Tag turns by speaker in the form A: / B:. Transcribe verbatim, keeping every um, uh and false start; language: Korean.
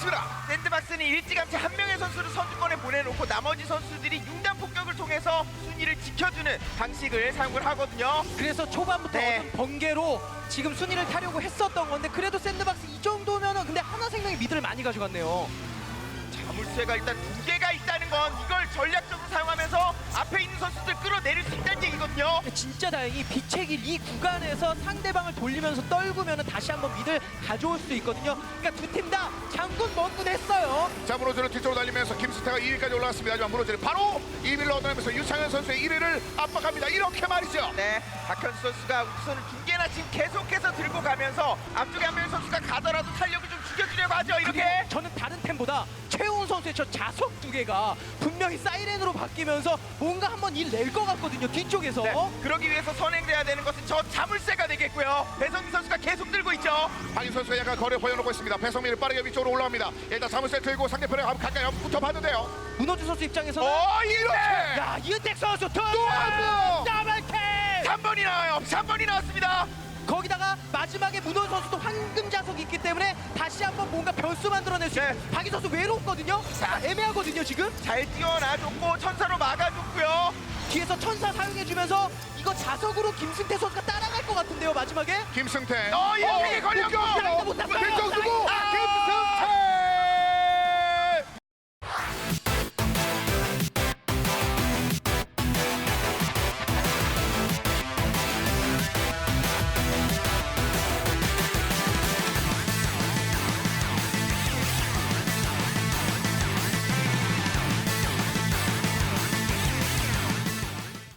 A: 있습니다.
B: 샌드박스는 일찌감치 한 명의 선수를 선두권에 보내놓고 나머지 선수들이 융단 폭격을 통해서 순위를 지켜주는 방식을 사용을 하거든요.
C: 그래서 초반부터
B: 네.
C: 어떤 번개로 지금 순위를 타려고 했었던 건데 그래도 샌드박스 이 정도면은 근데 하나생명이 미드를 많이 가져갔네요.
B: 자물쇠가 일단 두 개가 있다는 건 이걸 전략적으로 사용하면서 앞에 있는 선수들 끌어내릴 수 있다는 얘기거든요.
C: 진짜 다행히 빛의 길 이 구간에서 상대방을 돌리면서 떨구면 다시 한번 미드를 가져올 수 있거든요. 그러니까 두 팀 다 장군 먼군 했어요.
A: 자, 무너지는 뒤쪽으로 달리면서 김스태가 이 위까지 올라갔습니다. 하지만 무너지는 바로 이 위를 얻어내면서 유창현 선수의 일 위를 압박합니다. 이렇게 말이죠.
B: 네, 박현수 선수가 우선을 두 개나 지금 계속해서 들고 가면서 앞쪽에 한 명의 선수가 가더라도 탄력을 좀 죽여주려고 하죠. 이렇게.
C: 그리고 저는 다른 템보다 최훈 선수의 저 자석 두 개가 분명히 사이렌으로 바뀌면서 뭔가 한번 일 낼 것 같거든요. 뒤쪽에서.
B: 네, 그러기 위해서 선행돼야 되는 것은 저 자물쇠가 되겠고요. 배성민 선수가 계속 들고 있죠.
A: 박인 선수가 약간 거리를 보여놓고 있습니다. 배성민이 빠르게 위쪽으로 올라옵니다. 일단 자물쇠 들고 상대편에 가까이 붙어봐도 돼요.
C: 문호준 선수 입장에서는
A: 어, 이렇게!
C: 야 이은택 선수 또
A: 한 번!
C: 더블킥!
B: 삼 번이 나와요. 삼 번이 나왔습니다.
C: 거기다가 마지막에 문호준 선수도 황금 자석이 있기 때문에 다시 한번 뭔가 변수 만들어낼 수 있는
B: 네.
C: 박인 선수 외롭거든요. 자 애매하거든요 지금.
B: 잘 뛰어놔줬고 천사로 막아줬고요.
C: 뒤에서 천사 사용해주면서 이거 자석으로 김승태 선수가 따라갈 것 같은데요 마지막에.
A: 김승태.
B: 어, 이렇게 걸렸고!
C: 따라가지 못했어요.
A: 왼쪽 두고
B: 아!
A: 김승태.